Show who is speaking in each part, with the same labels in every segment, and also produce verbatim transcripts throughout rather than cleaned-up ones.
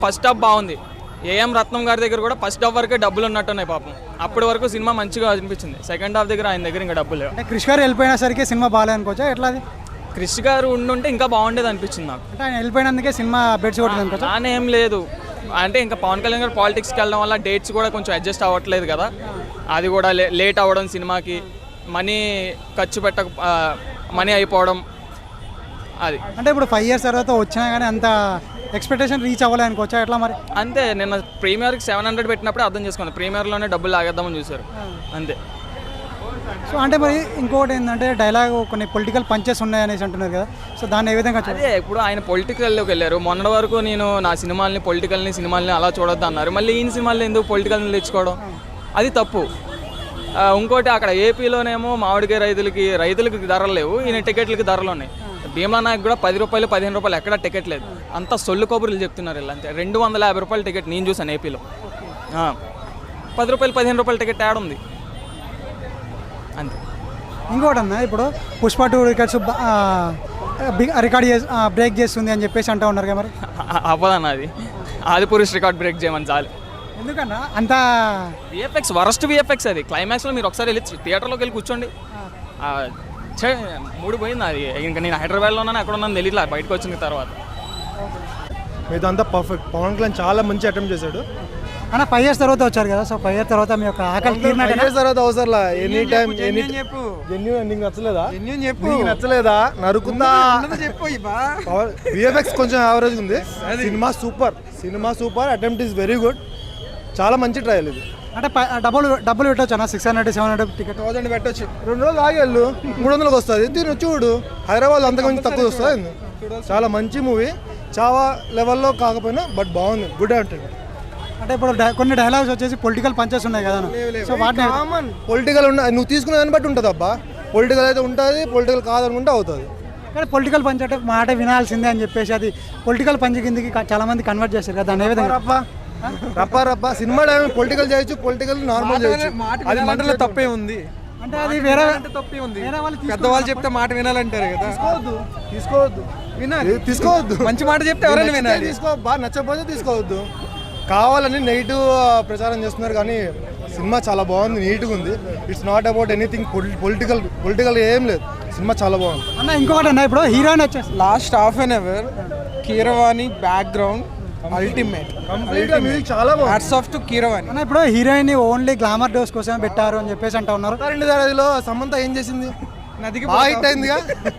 Speaker 1: First half బాగుంది. AM Ratnam గారి దగ్గర కూడా ఫస్ట్ హాఫ్ వరకే డబ్బులు ఉన్నట్టున్నాయి పాపం. అప్పటి వరకు సినిమా మంచిగా అనిపించింది. సెకండ్ హాఫ్ దగ్గర ఆయన దగ్గర ఇంకా డబ్బులు.
Speaker 2: అంటే క్రిష్ గారు వెళ్ళిపోయిన సరికి సినిమా బాగాలేదు అనుకోవచ్చా? ఎట్లా అది?
Speaker 1: క్రిష్ గారు ఉండుంటే ఇంకా బాగుండేది అనిపించింది నాకు.
Speaker 2: అంటే ఆయన వెళ్ళిపోయినందుకే సినిమా బెడ్స్ కొట్టింది అనుకోవచ్చా?
Speaker 1: నానే ఏం లేదు అంటే ఇంకా పవన్ కళ్యాణ్ గారు పాలిటిక్స్కి వెళ్ళడం వల్ల డేట్స్ కూడా కొంచెం అడ్జస్ట్ అవ్వట్లేదు కదా, అది కూడా లే లేట్ అవ్వడం, సినిమాకి మనీ ఖర్చు పెట్ట మనీ అయిపోవడం అది.
Speaker 2: అంటే ఇప్పుడు ఫైవ్ ఇయర్స్ తర్వాత వచ్చినా కానీ అంత ఎక్స్పెక్టేషన్ రీచ్ అవ్వాలి అనుకోవచ్చా? ఎట్లా మరి?
Speaker 1: అంతే, నిన్న ప్రీమియర్కి సెవెన్ హండ్రెడ్ పెట్టినప్పుడే అర్థం చేసుకోండి, ప్రీమియర్లోనే డబ్బులు లాగేద్దామని చూశారు అంతే.
Speaker 2: సో అంటే మరి ఇంకొకటి ఏంటంటే డైలాగ్ కొన్ని పొలిటికల్ పంచెస్ ఉన్నాయనేసి అంటున్నారు కదా, సో దాన్ని ఏ విధంగా?
Speaker 1: అదే ఇప్పుడు ఆయన పొలిటికల్లోకి వెళ్ళారు. మొన్నటి వరకు నేను నా సినిమాల్ని పొలిటికల్ని సినిమాల్ని అలా చూడొద్దు అన్నారు, మళ్ళీ ఈయన సినిమాల్ని ఎందుకు పొలిటికల్ని తెచ్చుకోవడం, అది తప్పు. ఇంకోటి అక్కడ ఏపీలోనేమో మామిడికాయ రైతులకి రైతులకి ధరలు లేవు, ఈయన టికెట్లకి ధరలు ఉన్నాయి. భీమా నాయక్ కూడా పది రూపాయలు పదిహేను రూపాయలు ఎక్కడ టికెట్ లేదు, అంతా సొల్లు కబుర్లు చెప్తున్నారు ఇలా. అంతే రెండు వందల యాభై రూపాయల టికెట్ నేను చూసాను ఏపీలో. పది రూపాయలు పదిహేను రూపాయల టికెట్ యాడ్ ఉంది అంతే.
Speaker 2: ఇంకోటి అన్న, ఇప్పుడు పుష్ప టూ రికార్డ్స్ రికార్డ్ చేసి బ్రేక్ చేస్తుంది అని చెప్పేసి అంటూ ఉన్నారు కదా, మరి
Speaker 1: అవ్వదన్న అది ఆది పురుష్ రికార్డ్ బ్రేక్ చేయమని చాలు.
Speaker 2: ఎందుకన్నా అంత
Speaker 1: విఎఫ్ఎక్స్ వరస్ట్ విఎఫ్ఎక్స్ అది. క్లైమాక్స్లో మీరు ఒకసారి వెళ్ళి థియేటర్లోకి వెళ్ళి కూర్చోండి, మూడు పోయింది అది. ఇంకా నేను హైదరాబాద్లో ఉన్నాను, అక్కడ ఉన్నాను తెలియట్లా బయటకు వచ్చిన తర్వాత.
Speaker 3: ఇదంతా పర్ఫెక్ట్. పవన్ కళ్యాణ్ చాలా మంచి అటెంప్ట్ చేశాడు
Speaker 2: అన్న. ఫైవ్ ఇయర్స్ తర్వాత వచ్చారు కదా, సో ఫైవ్ ఇయర్స్ తర్వాత మీ యొక్క ఆకలి తీరినట్టు
Speaker 3: ఫైవ్ ఇయర్స్ తర్వాత అవసరంలా ఎనీ టైం ఎనీ చెప్పు. జెన్యూన్ నీకు నచ్చలేదా? చెప్పు నీకు నచ్చలేదా? నరుకుందా చెప్పు. విఎఫ్ఎక్స్ కొంచెం యావరేజ్ ఉంది. Cinema super, cinema super. Attempt is very good, చాలా మంచి ట్రయల్ ఇది.
Speaker 2: అంటే డబ్బులు డబ్బులు పెట్టవచ్చు అన్న, six hundred seven hundred ticket
Speaker 3: thousand పెట్టచ్చు. రెండు రోజులు ఆగేళ్ళు మూడు వందలకు వస్తుంది. తిను చూడు, హైదరాబాద్ అంతకుమించి తక్కువ వస్తుంది. చాలా మంచి మూవీ, చాలా లెవెల్లో కాకపోయినా బట్ బాగుంది, గుడ్ అంటే.
Speaker 2: అంటే ఇప్పుడు కొన్ని డైలాగ్స్ వచ్చేసి పొలిటికల్ పంచెస్ ఉన్నాయి కదా, సో వాటిని
Speaker 3: కామన్ పొలిటికల్ ఉన్న నువ్వు తీసుకునే దాన్ని బట్టి ఉంటుంది అబ్బా. పొలిటికల్ అయితే ఉంటుంది, పొలిటికల్ కాదనుకుంటే అవుతుంది.
Speaker 2: కానీ పొలిటికల్ పంచ్ అంటే మాట వినాల్సిందే అని చెప్పేసి అది పొలిటికల్ పంచ్ కిందకి చాలా మంది కన్వర్ట్ చేస్తారు కదా, దాని ఏ విధంగా?
Speaker 3: రప్ప రప్ప రప్ప సినిమా పొలిటికల్ చేయొచ్చు, పొలిటికల్ నార్మల్ చేయొచ్చు.
Speaker 4: అది మాటలో తప్పే ఉంది.
Speaker 2: అంటే అది వేరే
Speaker 4: తప్పే ఉంది. పెద్దవాళ్ళు చెప్తే మాట వినాలంటారు కదా,
Speaker 3: తీసుకోవద్దు తీసుకోవద్దు వినాలి తీసుకోవద్దు.
Speaker 4: మంచి మాట చెప్తే ఎవరైనా వినాలి.
Speaker 3: తీసుకో, బాగా నచ్చకపోతే తీసుకోవద్దు. కావాలని నెగిటివ్ ప్రచారం చేస్తున్నారు కానీ సినిమా చాలా బాగుంది, నీట్గా ఉంది. It's not about anything political political ఏం లేదు, సినిమా చాలా బాగుంది
Speaker 2: అన్న. ఇంకొకటి అన్న, ఇప్పుడు హీరోయిన్ వచ్చేసి
Speaker 4: last half an hour Keeravani background ultimate,
Speaker 3: music చాలా బాగుంది.
Speaker 4: హ్యాట్స్ ఆఫ్ టు కీరవాణి
Speaker 2: అన్న. ఇప్పుడు హీరోయిన్ ఓన్లీ గ్లామర్ డోస్ కోసం పెట్టారు అని చెప్పేసి అంటూ ఉన్నారు.
Speaker 3: రెండు దారిలో సమంత ఏం చేసింది?
Speaker 4: నదికి
Speaker 3: హిట్ అయిందిగా.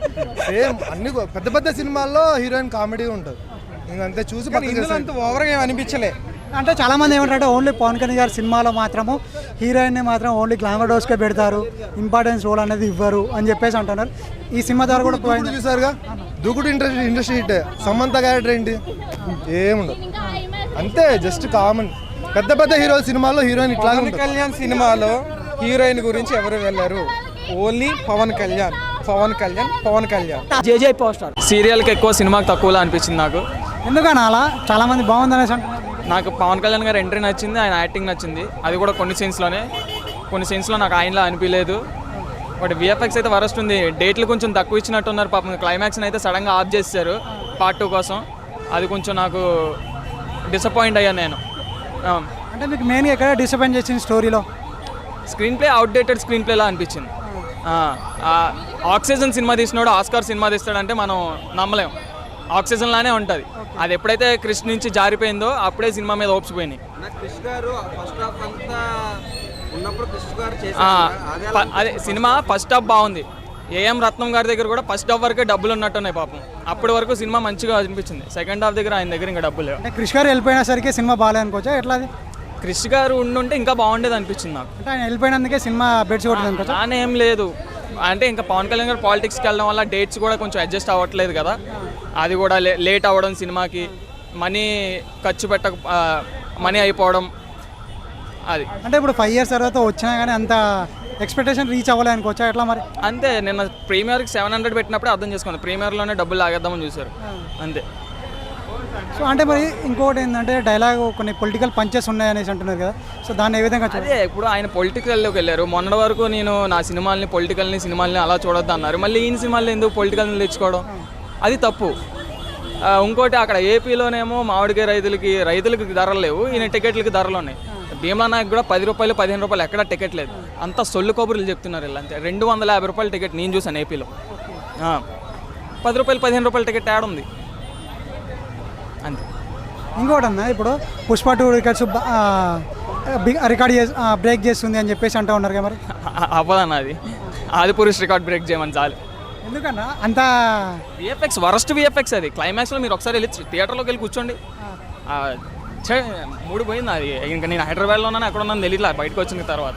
Speaker 3: సేమ్ అన్ని పెద్ద పెద్ద సినిమాల్లో హీరోయిన్ కామెడీ ఉంటుంది, ఇంకంతే చూసి
Speaker 4: అంత ఓవర్గా ఏమి అనిపించలే.
Speaker 2: అంటే చాలా మంది ఏమంటారంటే ఓన్లీ పవన్ కళ్యాణ్ గారి సినిమాలో మాత్రము హీరోయిన్ మాత్రం ఓన్లీ గ్లామర్ డోస్కే పెడతారు, ఇంపార్టెన్స్ రోల్ అనేది ఇవ్వరు అని చెప్పేసి అంటున్నారు. ఈ సినిమా ద్వారా కూడా
Speaker 3: చూసారుగా, Dookudu industry industry hit. Samantha character ఏంటి? ఏముండదు, అంతే జస్ట్ కామన్. పెద్ద పెద్ద హీరో సినిమాల్లో హీరోయిన్ ఇట్లా.
Speaker 4: పవన్ కళ్యాణ్ సినిమాలో హీరోయిన్ గురించి ఎవరు వెళ్ళారు? Only Pawan Kalyan, Pawan Kalyan, Pawan Kalyan.
Speaker 1: JJ poster సీరియల్కి ఎక్కువ సినిమాకి తక్కువలా అనిపించింది నాకు.
Speaker 2: ఎందుకని అలా? చాలా మంది బాగుందనేసి అంటున్నారు.
Speaker 1: నాకు పవన్ కళ్యాణ్ గారు ఎంట్రీ నచ్చింది, ఆయన యాక్టింగ్ నచ్చింది, అది కూడా కొన్ని సీన్స్లోనే. కొన్ని సీన్స్లో నాకు ఆయనలా అనిపించలేదు. బట్ విఎఫ్ఎక్స్ అయితే వరస్ట్ ఉంది. డేట్లు కొంచెం తక్కువ ఇచ్చినట్టున్నారు పాపం. క్లైమాక్స్ని అయితే సడన్గా ఆఫ్ చేశారు పార్ట్ టూ కోసం, అది కొంచెం నాకు డిసప్పాయింట్ అయ్యాను నేను.
Speaker 2: అంటే మీకు మెయిన్గా ఎక్కడ డిసప్పాయింట్ చేసింది స్టోరీలో?
Speaker 1: స్క్రీన్ ప్లే అవుట్డేటెడ్ స్క్రీన్ ప్లేలా అనిపించింది. ఆక్సిజన్ సినిమా తీసినాడు ఆస్కార్ సినిమా తీస్తాడంటే మనం నమ్మలేం, ఆక్సిజన్ లానే ఉంటుంది. అది ఎప్పుడైతే క్రిష్ నుంచి జారిపోయిందో అప్పుడే సినిమా మీద హోప్స్ పోయినాయి. అదే సినిమా ఫస్ట్ హాఫ్ బాగుంది. ఏఎం రత్నం గారి దగ్గర కూడా ఫస్ట్ హాఫ్ వరకే డబ్బులు ఉన్నట్టున్నాయి పాపం. అప్పటి వరకు సినిమా మంచిగా అనిపించింది. సెకండ్ హాఫ్ దగ్గర ఆయన దగ్గర ఇంకా డబ్బులు లేవు.
Speaker 2: అంటే క్రిష్ గారు వెళ్ళిపోయిన సరికి సినిమా బాగాలేదు అనుకోవచ్చా? ఎట్లా అది?
Speaker 1: క్రిష్ గారు ఉండుంటే ఇంకా బాగుండేది అనిపించింది నాకు.
Speaker 2: అంటే ఆయన వెళ్ళిపోయినందుకే సినిమా బెడ్స్ కొట్టింది అనుకోవచ్చా?
Speaker 1: నానే ఏం లేదు అంటే ఇంకా పవన్ కళ్యాణ్ గారు పాలిటిక్స్కి వెళ్ళడం వల్ల డేట్స్ కూడా కొంచెం అడ్జస్ట్ అవ్వట్లేదు కదా, అది కూడా లే లేట్ అవ్వడం, సినిమాకి మనీ ఖర్చు పెట్ట మనీ అయిపోవడం అది.
Speaker 2: అంటే ఇప్పుడు ఫైవ్ ఇయర్స్ తర్వాత వచ్చినా కానీ అంత ఎక్స్పెక్టేషన్ రీచ్ అవ్వాలి అనుకోవచ్చా? ఎట్లా మరి?
Speaker 1: అంతే, నిన్న ప్రీమియర్కి సెవెన్ హండ్రెడ్ పెట్టినప్పుడే అర్థం చేసుకోండి, ప్రీమియర్లోనే డబ్బులు లాగేద్దామని చూశారు అంతే.
Speaker 2: సో అంటే మరి ఇంకొకటి ఏంటంటే డైలాగ్ కొన్ని పొలిటికల్ పంచెస్ ఉన్నాయనేసి అంటున్నారు కదా, సో దాన్ని ఏ విధంగా?
Speaker 1: అదే ఇప్పుడు ఆయన పొలిటికల్లోకి వెళ్ళారు. మొన్నటి వరకు నేను నా సినిమాల్ని పొలిటికల్ని సినిమాల్ని అలా చూడొద్దు అన్నారు, మళ్ళీ ఈయన సినిమాల్లో ఎందుకు పొలిటికల్ని తెచ్చుకోవడం, అది తప్పు. ఆ, ఇంకోటి అక్కడ ఏపీలోనేమో మామిడికాయ రైతులకి రైతులకి ధరలు లేవు, ఈయన టికెట్లకి ధరలు ఉన్నాయి. భీమలా నాయక్ కూడా పది రూపాయలు పదిహేను రూపాయలు ఎక్కడ టికెట్ లేదు, అంతా సొల్లు కబుర్లు చెప్తున్నారు వీళ్ళు అంతే. రెండు వందల యాభై రూపాయల టికెట్ నేను చూసాను ఏపీలో. ఆ, పది రూపాయలు పదిహేను రూపాయల టికెట్ యాడ్ ఉంది అంతే.
Speaker 2: ఇంకోటి అన్న, ఇప్పుడు పుష్ప టూ టికెట్స్ రికార్డ్ చేసి బ్రేక్ చేస్తుంది అని చెప్పేసి అంటూ ఉన్నారు కదా మరి.
Speaker 1: అవ్వదన్న అది, ఆది పురుష్ రికార్డ్ బ్రేక్ చేయమని చాలు.
Speaker 2: ఎందుకన్నా అంత
Speaker 1: విఎఫ్ఎక్స్ వరస్ట్ విఎఫ్ఎక్స్ అది. క్లైమాక్స్లో మీరు ఒకసారి వెళ్ళి థియేటర్లోకి వెళ్ళి కూర్చోండి. ఆ, ఛే, మూడు పోయింది అది. ఇంకా నేను హైదరాబాద్లో ఉన్నాను, ఎక్కడ ఉన్నాను తెలియట్లా బయటకు వచ్చిన తర్వాత.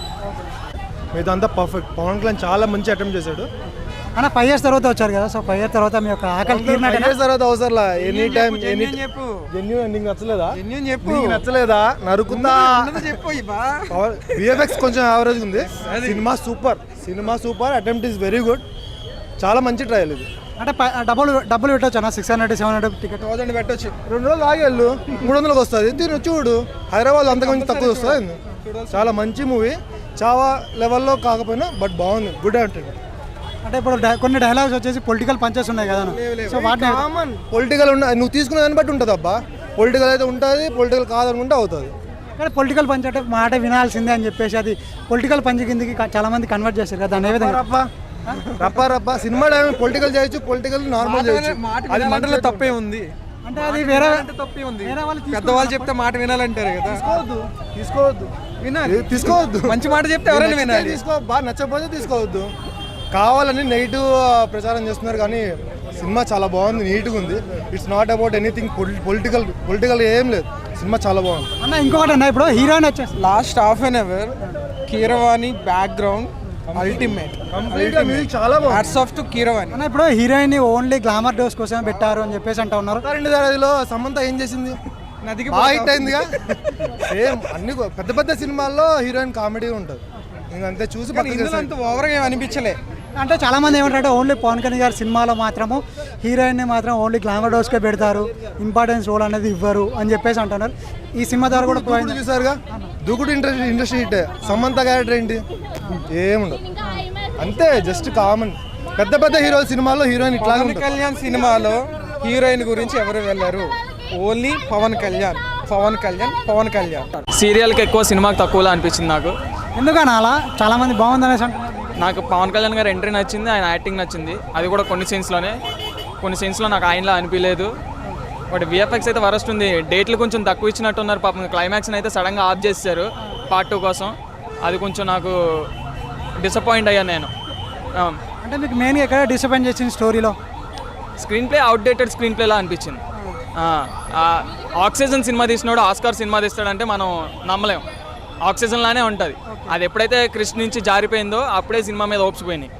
Speaker 3: ఇదంతా పర్ఫెక్ట్. పవన్ కళ్యాణ్ చాలా మంచి అటెంప్ట్ చేశాడు.
Speaker 2: అన్న ఫైవ్ ఇయర్స్ తర్వాత వచ్చారు కదా, సో ఫైవ్ ఇయర్స్ తర్వాత మీ యొక్క ఆకలి తీరినట్టు
Speaker 3: ఫైవ్ తర్వాత అవసరం ఎనీ టైం ఎనీ
Speaker 4: చెప్పు
Speaker 3: జెన్యూన్ నీకు నచ్చలేదా?
Speaker 4: జెన్యూన్ చెప్పు
Speaker 3: నీకు నచ్చలేదా? నరుకుందా.
Speaker 4: చెప్పు ఇబ్బా
Speaker 3: విఎఫ్ఎక్స్ కొంచెం యావరేజ్ ఉంది. Cinema super, cinema super. Attempt is very good. చాలా మంచి ట్రయల్ ఇది.
Speaker 2: అంటే ప- డబ్బులు డబ్బులు పెట్టవచ్చు అన్న, six hundred seven hundred ticket.
Speaker 4: Thousand పెట్టొచ్చు.
Speaker 3: రెండు రోజులు ఆగేళ్ళు మూడు వందలకు వస్తుంది. దీన్ని చూడు, హైదరాబాద్ అంతకుమించి తక్కువ వస్తుంది. చాలా మంచి మూవీ. చాలా లెవెల్లో కాకపోయినా బట్ బాగుంది. గుడ్ అంటే
Speaker 2: అంటే ఇప్పుడు డై- కొన్ని డైలాగ్స్ వచ్చేసి పొలిటికల్ పంచెస్ ఉన్నాయి కదా, సో వాటిని
Speaker 3: కామన్. పొలిటికల్ ఉన్న నువ్వు తీసుకునే దాన్ని బట్టి ఉంటుంది అబ్బా. పొలిటికల్ అయితే ఉంటుంది, పొలిటికల్ కాదనుకుంటే అవుతుంది.
Speaker 2: కానీ పొలిటికల్ పంచ్ అంటే మాట వినాల్సిందే అని చెప్పేసి అది పొలిటికల్ పంచ్ కిందకి క- చాలా మంది కన్వర్ట్ చేస్తారు కదా, దాని ఏ విధంగా
Speaker 3: రప్ప రప్ప రప్ప సినిమా పొలిటికల్ చేయొచ్చు, పొలిటికల్ నార్మల్ చేయొచ్చు.
Speaker 4: మాట
Speaker 3: అది
Speaker 4: వినాలంటే తప్పే ఉంది.
Speaker 2: అంటే అది వేరే
Speaker 4: అంటే తప్పే ఉంది.
Speaker 2: వేరే వాళ్ళు
Speaker 4: పెద్దవాళ్ళు చెప్తే మాట వినాలంటారు కదా.
Speaker 3: తీసుకోవద్దు తీసుకోవద్దు
Speaker 4: వినాలి.
Speaker 3: తీసుకోవద్దు.
Speaker 4: మంచి మాట చెప్తే ఎవరైనా వినాలి.
Speaker 3: తీసుకో, బాగా నచ్చకపోతే తీసుకోవద్దు. కావాలని నెగిటివ్ ప్రచారం చేస్తున్నారు కానీ సినిమా చాలా బాగుంది, నీట్గా ఉంది. It's not about anything political political ఏం లేదు. సినిమా చాలా బాగుంది
Speaker 2: అన్న. ఇంకొకటి అన్న, ఇప్పుడు హీరోయిన్ వచ్చేసి
Speaker 4: last half an hour Keeravani background ultimate.
Speaker 3: కంప్లీట్గా మ్యూజిక్ చాలా బాగుంది.
Speaker 4: Hats off to Keeravani.
Speaker 2: అన్న, ఇప్పుడు హీరోయిన్ ఓన్లీ గ్లామర్ డోస్ కోసం పెట్టారు అని చెప్పేసి అంటూ ఉన్నారు.
Speaker 3: రెండు దారిలో సమంత ఏం చేసింది?
Speaker 4: నదికి
Speaker 3: బాగా హిట్ అయిందిగా. సేమ్ అన్ని పెద్ద పెద్ద సినిమాల్లో హీరోయిన్ కామెడీ ఉంటుంది. ఇంకంతే చూసి పక్కన
Speaker 4: ఇందులో అంత ఓవర్గా ఏం అనిపించలే.
Speaker 2: అంటే చాలా మంది ఏమంటారంటే ఓన్లీ పవన్ కళ్యాణ్ గారి సినిమాలో మాత్రము హీరోయిన్ని మాత్రం ఓన్లీ గ్లామర్ డోస్కే పెడతారు, ఇంపార్టెన్స్ రోల్ అనేది ఇవ్వరు అని చెప్పేసి అంటున్నారు. ఈ సినిమా ద్వారా కూడా
Speaker 3: దూకుడు చూసారుగా, Dookudu industry industry hit. Samantha character ఏంటి? ఏముండదు, అంతే జస్ట్ కామన్. పెద్ద పెద్ద హీరో సినిమాల్లో హీరోయిన్ ఇట్లాగే
Speaker 4: పవన్
Speaker 3: ఉంటుంది.
Speaker 4: కళ్యాణ్ సినిమాలో హీరోయిన్ గురించి ఎవరు వెళ్ళారు? ఓన్లీ పవన్ కళ్యాణ్, పవన్ కళ్యాణ్, పవన్ కళ్యాణ్.
Speaker 1: సీరియల్కి ఎక్కువ సినిమాకి తక్కువలా అనిపించింది నాకు.
Speaker 2: ఎందుకని అలా చాలా మంది బాగుంది అనేసి అంటున్నారు.
Speaker 1: నాకు పవన్ కళ్యాణ్ గారి ఎంట్రీ నచ్చింది, ఆయన యాక్టింగ్ నచ్చింది. అది కూడా కొన్ని సీన్స్లోనే, కొన్ని సీన్స్లో నాకు ఆయనలా అనిపించలేదు. బట్ విఎఫ్ఎక్స్ అయితే వరస్ట్ ఉంది. డేట్లు కొంచెం తక్కువ ఇచ్చినట్టున్నారు పాపం. క్లైమాక్స్ని అయితే సడన్గా ఆఫ్ చేశారు పార్ట్ టూ కోసం. అది కొంచెం నాకు డిసప్పాయింట్ అయ్యాను నేను.
Speaker 2: అంటే మీకు మెయిన్గా ఎక్కడ డిసప్పాయింట్ చేసింది స్టోరీలో?
Speaker 1: స్క్రీన్ ప్లే అవుట్డేటెడ్ స్క్రీన్ ప్లేలా అనిపించింది. ఆక్సిజన్ సినిమా తీసినాడు ఆస్కార్ సినిమా తీస్తాడంటే మనం నమ్మలేం. ఆక్సిజన్ లానే ఉంటుంది. అది ఎప్పుడైతే క్రిష్ నుంచి జారిపోయిందో అప్పుడే సినిమా మీద హోప్స్ పోయినాయి.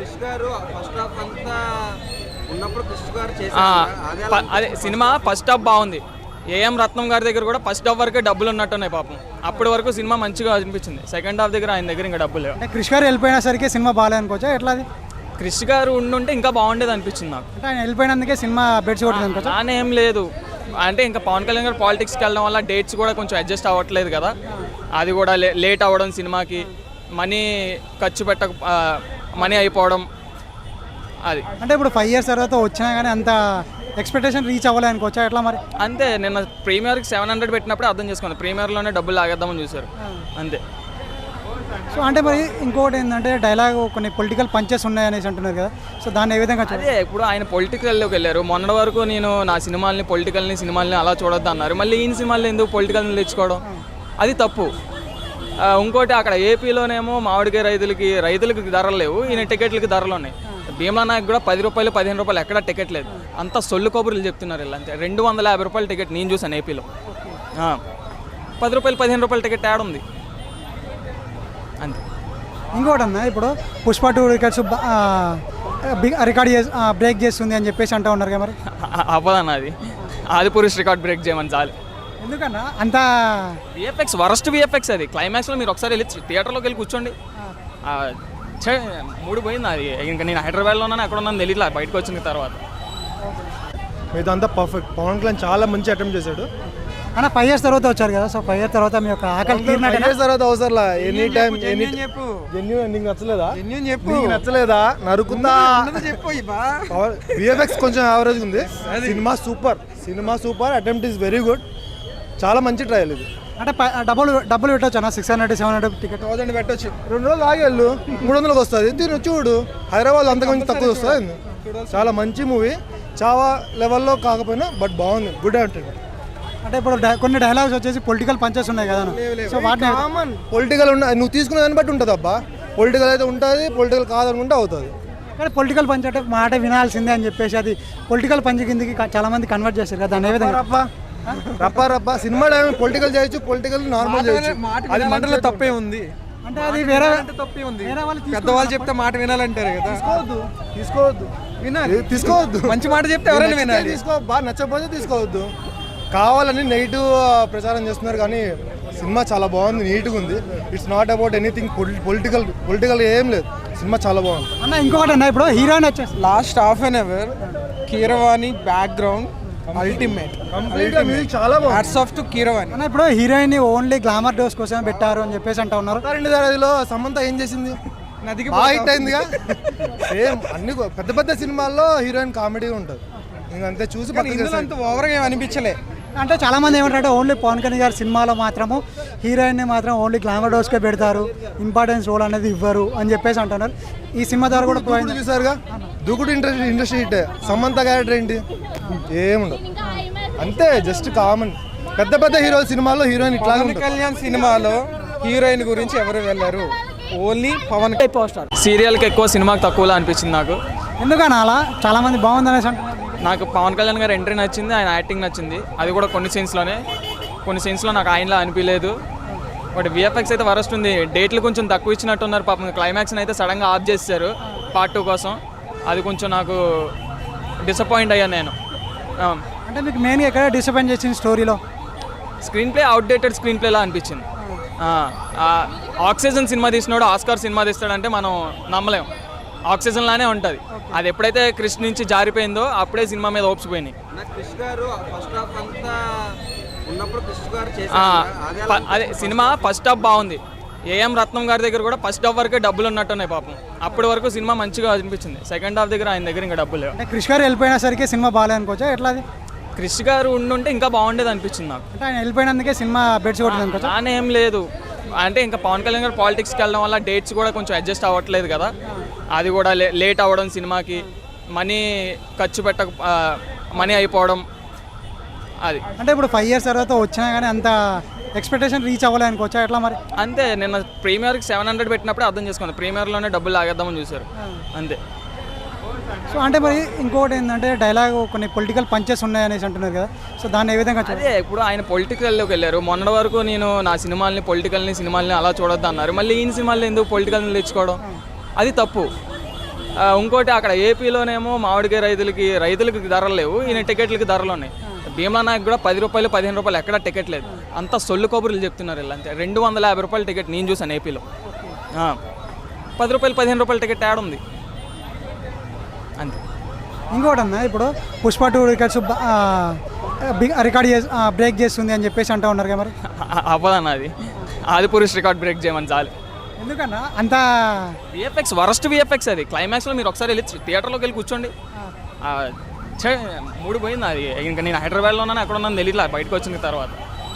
Speaker 1: ఆ, ప- అదే సినిమా ఫస్ట్ హాఫ్ బాగుంది. ఏఎం రత్నం గారి దగ్గర కూడా ఫస్ట్ హాఫ్ వరకే డబ్బులు ఉన్నట్టున్నాయి పాపం. అప్పటి వరకు సినిమా మంచిగా అనిపించింది. సెకండ్ హాఫ్ దగ్గర ఆయన దగ్గర ఇంకా డబ్బులు లేవు.
Speaker 2: అంటే క్రిష్ గారు వెళ్ళిపోయిన సరికి సినిమా బాగాలేదు అనుకోవచ్చా? ఎట్లా అది?
Speaker 1: క్రిష్ గారు ఉండుంటే ఇంకా బాగుండేది అనిపించింది నాకు.
Speaker 2: అంటే ఆయన వెళ్ళిపోయినందుకే సినిమా బెడ్స్ కొట్టింది అనుకోవచ్చా?
Speaker 1: నానే ఏం లేదు అంటే ఇంకా పవన్ కళ్యాణ్ గారు పాలిటిక్స్కి వెళ్ళడం వల్ల డేట్స్ కూడా కొంచెం అడ్జస్ట్ అవ్వట్లేదు కదా. అది కూడా లే లేట్ అవ్వడం, సినిమాకి మనీ ఖర్చు పెట్టక మనీ అయిపోవడం అది.
Speaker 2: అంటే ఇప్పుడు ఫైవ్ ఇయర్స్ తర్వాత వచ్చినా కానీ అంత ఎక్స్పెక్టేషన్ రీచ్ అవ్వలేదు అనుకోవచ్చా? ఎట్లా మరి?
Speaker 1: అంతే. నిన్న ప్రీమియర్కి సెవెన్ హండ్రెడ్ పెట్టినప్పుడే అర్థం చేసుకోండి, ప్రీమియర్లోనే డబ్బులు లాగేద్దామని చూశారు అంతే.
Speaker 2: సో అంటే మరి ఇంకోటి ఏంటంటే డైలాగ్ కొన్ని పొలిటికల్ పంచెస్ ఉన్నాయి అనేసి అంటున్నారు కదా, సో దాన్ని ఏ విధంగా చూడాలి?
Speaker 1: అదే ఇప్పుడు ఆయన పొలిటికల్లోకి వెళ్ళారు. మొన్నటి వరకు నేను నా సినిమాల్ని పొలిటికల్ని సినిమాల్ని అలా చూడొద్దు అన్నారు. మళ్ళీ ఈయన సినిమాల్లో ఎందుకు పొలిటికల్ని తెచ్చుకోవడం? అది తప్పు. ఆ, ఇంకోటి అక్కడ ఏపీలోనేమో మామిడికాయ రైతులకి రైతులకి ధరలు లేవు, ఈయన టికెట్లకి ధరలు ఉన్నాయి. భీమలా నాయక్ కూడా పది రూపాయలు పదిహేను రూపాయలు ఎక్కడ టికెట్ లేదు, అంతా సొల్లు కబుర్లు చెప్తున్నారు వీళ్ళు అంతే. రెండు వందల యాభై రూపాయల టికెట్ నేను చూసాను ఏపీలో. ఆ, పది రూపాయలు పదిహేను రూపాయల టికెట్ యాడ్ ఉంది అంతే.
Speaker 2: ఇంకోటి అన్న, ఇప్పుడు పుష్ప టూ టికెట్స్ రికార్డ్ చేసి బ్రేక్ చేస్తుంది అని చెప్పేసి అంటూ ఉన్నారు కదా మరి.
Speaker 1: అవ్వదన్న అది, ఆది పురుష్ రికార్డ్ బ్రేక్ చేయమని చాలు.
Speaker 2: ఎందుకన్నా అంత
Speaker 1: విఎఫ్ఎక్స్ వరస్ట్ విఎఫ్ఎక్స్ అది. క్లైమాక్స్లో మీరు ఒకసారి వెళ్ళి థియేటర్లోకి వెళ్ళి కూర్చోండి. ఆ, ఛే, మూడు పోయింది అది. ఇంకా నేను హైదరాబాద్లో ఉన్నాను, ఎక్కడ ఉన్నాను తెలియట్లా బయటకు వచ్చిన తర్వాత.
Speaker 3: ఇదంతా పర్ఫెక్ట్. పవన్ కళ్యాణ్ చాలా మంచి అటెంప్ట్ చేశాడు.
Speaker 2: అన్న ఫైవ్ ఇయర్స్ తర్వాత వచ్చారు కదా, సో ఫైవ్ ఇయర్స్ తర్వాత మీ యొక్క ఆకలి తీరినట్టు
Speaker 3: ఫైవ్ ఇయర్స్ తర్వాత అవసరం ఎనీ టైం ఎనీ
Speaker 4: జెన్యూన్ చెప్పు
Speaker 3: జెన్యూన్ నీకు నచ్చలేదా
Speaker 4: జెన్యూన్ చెప్పు
Speaker 3: నీకు నచ్చలేదా నరుకుందా
Speaker 4: ఉన్నది చెప్పు ఇబ్బా
Speaker 3: విఎఫ్ఎక్స్ కొంచెం యావరేజ్ ఉంది. Cinema super cinema super attempt is very good. చాలా మంచి ట్రయల్ ఇది.
Speaker 2: అంటే ప- డబ్బులు డబ్బులు పెట్టవచ్చు అన్న, six hundred seven hundred ticket.
Speaker 4: Thousand పెట్టొచ్చు
Speaker 3: రెండు రోజులు ఆగి వెళ్ళు, మూడు వందలకు వస్తుంది. తిను చూడు, హైదరాబాద్ అంతకుమించి తక్కువ వస్తుంది. చాలా మంచి మూవీ, చాలా లెవెల్లో కాకపోయినా బట్ బాగుంది, గుడ్ అంటే.
Speaker 2: అంటే ఇప్పుడు డై- కొన్ని డైలాగ్స్ వచ్చేసి పొలిటికల్ పంచెస్ ఉన్నాయి కదా అన్న. సో వాటిని
Speaker 3: కామన్ పొలిటికల్ ఉన్న నువ్వు తీసుకునే దాన్ని బట్టి ఉంటుంది అబ్బా. పొలిటికల్ అయితే ఉంటుంది, పొలిటికల్ కాదనుకుంటే అవుతుంది.
Speaker 2: కానీ పొలిటికల్ పంచ్ అంటే మాట వినాల్సిందే అని చెప్పేసి అది పొలిటికల్ పంచ్ కిందకి క- చాలా మంది కన్వర్ట్ చేస్తారు కదా, దాని ఏ విధంగా?
Speaker 3: రప్ప రప్ప రప్ప సినిమా పొలిటికల్ చేయొచ్చు, పొలిటికల్ నార్మల్ చేయొచ్చు.
Speaker 4: అది మాటలో తప్పే ఉంది
Speaker 2: అంటే అది వేరే
Speaker 4: అంటే తప్పే ఉంది
Speaker 2: వేరే వాళ్ళు తీసుకున్న
Speaker 4: పెద్దవాళ్ళు చెప్తే మాట వినాలంటారు కదా
Speaker 3: తీసుకోవద్దు తీసుకోవద్దు
Speaker 4: వినాలి
Speaker 3: తీసుకోవద్దు
Speaker 4: మంచి మాట చెప్తే ఎవరైనా
Speaker 3: నచ్చితే
Speaker 4: వినాలి
Speaker 3: తీసుకో, బాగా నచ్చకపోతే తీసుకోవద్దు. కావాలని నెగిటివ్ ప్రచారం చేస్తున్నారు కానీ సినిమా చాలా బాగుంది, నీట్గా ఉంది. It's not about anything political political ఏం లేదు. సినిమా చాలా బాగుంది.
Speaker 2: అన్న ఇంకొకటి అన్న, ఇప్పుడు హీరోయిన్ వచ్చేసి
Speaker 4: last half an hour Keeravani background ultimate
Speaker 3: కంప్లీట్గా మ్యూజిక్ చాలా బాగుంది.
Speaker 4: హ్యాట్స్ ఆఫ్ టు కీరవాణి
Speaker 2: అన్న ఇప్పుడు హీరోయిన్ ఓన్లీ గ్లామర్ డోస్ కోసమే పెట్టారు అని చెప్పేసి అంటా ఉన్నారు.
Speaker 3: రెండు దారిలో సమంత ఏం చేసింది?
Speaker 4: నదికి
Speaker 3: బాగా హిట్ అయిందిగా. సేమ్ అన్ని కొ- పెద్ద పెద్ద సినిమాల్లో హీరోయిన్ కామెడీ ఉంటుంది. ఇంకంతే చూసి
Speaker 4: కానీ ఇందులో అంత ఓవర్గా ఏం అనిపించలే
Speaker 2: అంటే చాలా మంది ఏమంటారంటే ఓన్లీ పవన్ కళ్యాణ్ గారి సినిమాలో మాత్రము హీరోయిన్ మాత్రం ఓన్లీ గ్లామర్ డోస్కే పెడతారు, ఇంపార్టెన్స్ రోల్ అనేది ఇవ్వరు అని చెప్పేసి అంటున్నారు. ఈ సినిమా ద్వారా కూడా
Speaker 3: దూకుడు చూసారుగా, Dookudu industry industry hit. Samantha character ఏంటి? ఏముండదు, అంతే జస్ట్ కామన్. పెద్ద పెద్ద హీరో సినిమాల్లో హీరోయిన్ ఇట్లా
Speaker 4: పవన్ కళ్యాణ్ సినిమాలో హీరోయిన్ గురించి ఎవరు వెళ్ళారు? ఓన్లీ పవన్
Speaker 2: పోస్టర్
Speaker 1: సీరియల్కి ఎక్కువ సినిమాకి తక్కువలా అనిపించింది నాకు.
Speaker 2: ఎందుకన్నా అలా చాలా మంది బాగుంది అనేసి అంటున్నారు.
Speaker 1: నాకు పవన్ కళ్యాణ్ గారి ఎంట్రీ నచ్చింది, ఆయన యాక్టింగ్ నచ్చింది. అది కూడా కొన్ని సీన్స్లోనే, కొన్ని సీన్స్లో నాకు ఆయనలా అనిపించలేదు. బట్ విఎఫ్ఎక్స్ అయితే వరస్ట్ ఉంది. డేట్లు కొంచెం తక్కువ ఇచ్చినట్టున్నారు పాపం. క్లైమాక్స్ని అయితే సడన్గా ఆఫ్ చేశారు పార్ట్ టూ కోసం. అది కొంచెం నాకు డిసప్పాయింట్ అయ్యాను నేను.
Speaker 2: అంటే మీకు మెయిన్గా ఎక్కడ డిసప్పాయింట్ చేసింది స్టోరీలో?
Speaker 1: స్క్రీన్ ప్లే అవుట్డేటెడ్ స్క్రీన్ ప్లేలా అనిపించింది. ఆ, ఆ, ఆక్సిజన్ సినిమా తీసినాడు ఆస్కార్ సినిమా తీస్తాడంటే మనం నమ్మలేం. ఆక్సిజన్ లానే ఉంటుంది. అది ఎప్పుడైతే క్రిష్ నుంచి జారిపోయిందో అప్పుడే సినిమా మీద హోప్స్ పోయినాయి. ఆ, ప- అదే సినిమా ఫస్ట్ హాఫ్ బాగుంది. ఏఎం రత్నం గారి దగ్గర కూడా ఫస్ట్ హాఫ్ వరకే డబ్బులు ఉన్నట్టున్నాయి పాపం. అప్పటి వరకు సినిమా మంచిగా అనిపించింది. సెకండ్ హాఫ్ దగ్గర ఆయన దగ్గర ఇంకా డబ్బులు లేవు.
Speaker 2: అంటే క్రిష్ గారు వెళ్ళిపోయిన సరికి సినిమా బాగాలే అనుకోవచ్చా? ఎట్లా అది?
Speaker 1: క్రిష్ గారు ఉండుంటే ఇంకా బాగుండేది అనిపించింది నాకు.
Speaker 2: అంటే ఆయన వెళ్ళిపోయినందుకే సినిమా బెడ్స్ కొట్టింది అనుకోవచ్చా?
Speaker 1: అలానే ఏం లేదు. అంటే ఇంకా పవన్ కళ్యాణ్ గారు పాలిటిక్స్కి వెళ్ళడం వల్ల డేట్స్ కూడా కొంచెం అడ్జస్ట్ అవ్వట్లేదు కదా. అది కూడా లే లేట్ అవ్వడం, సినిమాకి మనీ ఖర్చు పెట్టక మనీ అయిపోవడం అది.
Speaker 2: అంటే ఇప్పుడు ఫైవ్ ఇయర్స్ తర్వాత వచ్చినా కానీ అంత ఎక్స్పెక్టేషన్ రీచ్ అవ్వలే అనుకోవచ్చా? ఎట్లా మరి?
Speaker 1: అంతే, నిన్న ప్రీమియర్కి సెవెన్ హండ్రెడ్ పెట్టినప్పుడు అర్థం చేసుకోండి. ప్రీమియర్లోనే డబ్బులు లాగేద్దామని చూశారు అంతే.
Speaker 2: సో అంటే మరి ఇంకోటి ఏంటంటే డైలాగ్ కొన్ని పొలిటికల్ పంచెస్ ఉన్నాయి అనేసి అంటున్నారు కదా, సో దాన్ని ఏ విధంగా చూడాలి?
Speaker 1: అదే ఇప్పుడు ఆయన పొలిటికల్లోకి వెళ్ళారు. మొన్నటి వరకు నేను నా సినిమాల్ని పొలిటికల్ని సినిమాల్ని అలా చూడొద్దు అన్నారు. మళ్ళీ ఈయన సినిమాల్లో ఎందుకు పొలిటికల్ని తెచ్చుకోవడం? అది తప్పు. ఆ, ఇంకోటి అక్కడ ఏపీలోనేమో మామిడికాయ రైతులకి రైతులకి ధరలు లేవు, ఈయన టికెట్లకి ధరలు ఉన్నాయి. భీమలా నాయక్ కూడా పది రూపాయలు పదిహేను రూపాయలు ఎక్కడ టికెట్ లేదు. అంతా సొల్లు కబుర్లు చెప్తున్నారు వీళ్ళు. అంతే రెండు వందల యాభై రూపాయల టికెట్ నేను చూసాను ఏపీలో. ఆ, పది రూపాయలు పదిహేను రూపాయల టికెట్ యాడ్ ఉంది అంతే.
Speaker 2: ఇంకోటి అన్న, ఇప్పుడు పుష్ప టూ రికార్డ్స్ రికార్డ్ చేసి బ్రేక్ చేస్తుంది అని చెప్పేసి అంటూ ఉన్నారు కదా, మరి
Speaker 1: అవ్వదన్న అది. ఆది పురుష్ రికార్డ్ బ్రేక్ చేయమని చాలు.
Speaker 2: ఎందుకన్నా అంత
Speaker 1: విఎఫ్ఎక్స్ వరస్ట్ విఎఫ్ఎక్స్ అది. క్లైమాక్స్లో మీరు ఒకసారి వెళ్ళి థియేటర్లోకి వెళ్ళి కూర్చోండి. ఆ, ఛే, మూడు పోయింది అది. ఇంకా నేను హైదరాబాద్లో ఉన్నాను, అక్కడ ఉన్నాను తెలియట్లా బయటకు వచ్చిన తర్వాత.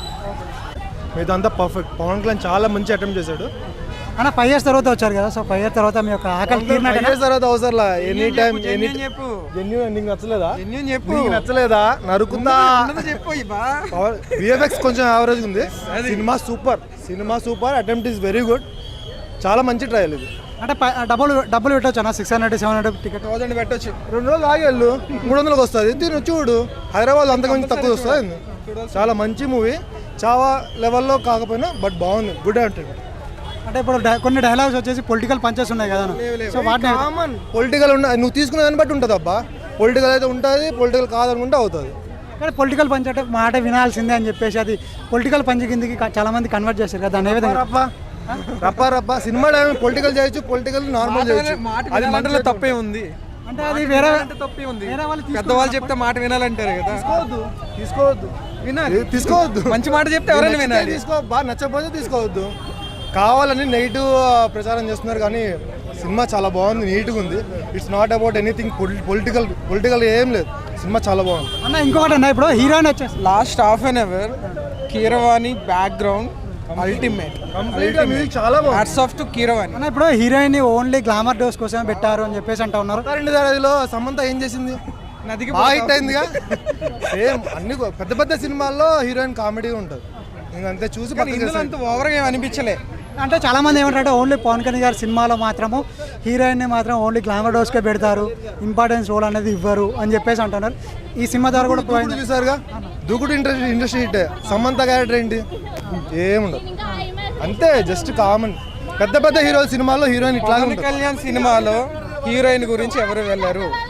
Speaker 3: ఇదంతా పర్ఫెక్ట్. పవన్ కళ్యాణ్ చాలా మంచి అటెంప్ట్ చేశాడు.
Speaker 2: అన్న ఫైవ్ ఇయర్స్ తర్వాత వచ్చారు కదా, సో ఫైవ్ ఇయర్స్ తర్వాత మీ యొక్క ఆకలి
Speaker 3: ఫైవ్
Speaker 2: తీరినట్టు
Speaker 3: ఇయర్స్ తర్వాత అవసరం ఎనీ టైం ఎనీ
Speaker 4: జెన్యూన్ చెప్పు
Speaker 3: జెన్యూన్ నీకు నచ్చలేదా?
Speaker 4: జెన్యూన్ చెప్పు
Speaker 3: నీకు నచ్చలేదా నరుకుందా?
Speaker 4: ఉన్నది చెప్పు ఇబ్బా
Speaker 3: విఎఫ్ఎక్స్ కొంచెం యావరేజ్ ఉంది. Cinema super cinema super attempt is very good. చాలా మంచి ట్రయల్ ఇది.
Speaker 2: అంటే ప- డబ్బులు డబ్బులు పెట్టవచ్చు అన్న, six hundred seven hundred ticket.
Speaker 4: Thousand పెట్టొచ్చు
Speaker 3: రెండు రోజులు ఆగి వెళ్ళు, మూడు వందలకు వస్తుంది. తిను చూడు, హైదరాబాద్ అంతకుమించి తక్కువ వస్తుంది. చాలా మంచి మూవీ, చాలా లెవెల్లో కాకపోయినా బట్ బాగుంది, గుడ్ అంటే.
Speaker 2: అంటే ఇప్పుడు డై- కొన్ని డైలాగ్స్ వచ్చేసి పొలిటికల్ పంచెస్ ఉన్నాయి కదా అన్న, సో వాటిని
Speaker 3: కామన్ పొలిటికల్ ఉన్న నువ్వు తీసుకునే దాన్ని బట్టి ఉంటుంది అబ్బా. పొలిటికల్ అయితే ఉంటుంది, పొలిటికల్ కాదనుకుంటే అవుతుంది.
Speaker 2: కానీ పొలిటికల్ పంచ్ అంటే మాట వినాల్సిందే అని చెప్పేసి అది పొలిటికల్ పంచ్ కిందకి క- చాలా మంది కన్వర్ట్ చేస్తారు కదా, దాని ఏ విధంగా?
Speaker 3: రప్ప రప్ప రప్ప సినిమా పొలిటికల్ చేయొచ్చు, పొలిటికల్ నార్మల్ చేయొచ్చు.
Speaker 4: అది మాటలో తప్పే ఉంది
Speaker 2: అంటే అది వేరే
Speaker 4: అంటే తప్పే ఉంది
Speaker 2: వేరే వాళ్ళు తీసుకున్న
Speaker 4: పెద్దవాళ్ళు చెప్తే మాట వినాలంటారు కదా
Speaker 3: తీసుకోవద్దు తీసుకోవద్దు
Speaker 4: వినాలి.
Speaker 3: తీసుకోవద్దు.
Speaker 4: మంచి మాట చెప్తే ఎవరైనా
Speaker 3: నచ్చితే
Speaker 4: వినాలి.
Speaker 3: తీసుకో, బాగా నచ్చకపోతే తీసుకోవద్దు. కావాలని నెగిటివ్ ప్రచారం చేస్తున్నారు కానీ సినిమా చాలా బాగుంది, నీట్గా ఉంది. It's not about anything political political ఏం లేదు. సినిమా చాలా బాగుంది
Speaker 2: అన్న. ఇంకొకటి అన్న, ఇప్పుడు హీరోయిన్ వచ్చేసి
Speaker 4: last half an hour Keeravani background ultimate.
Speaker 3: కంప్లీట్గా మ్యూజిక్ చాలా బాగుంది.
Speaker 4: Hats off to Keeravani.
Speaker 2: అన్న, ఇప్పుడు హీరోయిన్ ఓన్లీ గ్లామర్ డోస్ కోసం పెట్టారు అని చెప్పేసి అంటా ఉన్నారు.
Speaker 3: రెండు దారిలో సమంత ఏం చేసింది?
Speaker 4: నదికి
Speaker 3: బాగా హిట్ అయిందిగా. సేమ్ అన్ని పెద్ద పెద్ద సినిమాల్లో హీరోయిన్ కామెడీ ఉంటుంది, ఇంకంతే చూసి
Speaker 4: కానీ ఇందులో అంత ఓవర్గా ఏం అనిపించలే.
Speaker 2: అంటే చాలా మంది ఏమంటారంటే ఓన్లీ పవన్ కళ్యాణ్ గారి సినిమాలో మాత్రము హీరోయిన్ మాత్రం ఓన్లీ గ్లామర్ డోస్కే పెడతారు, ఇంపార్టెన్స్ రోల్ అనేది ఇవ్వరు అని చెప్పేసి అంటున్నారు. ఈ సినిమా ద్వారా కూడా
Speaker 3: దూకుడు చూసారుగా, Dookudu industry industry hit. Samantha character ఏంటి? ఏముండదు, అంతే జస్ట్ కామన్. పెద్ద పెద్ద హీరో సినిమాల్లో హీరోయిన్ ఇట్లా
Speaker 4: పవన్ కళ్యాణ్ సినిమాలో హీరోయిన్ గురించి ఎవరు వెళ్ళారు?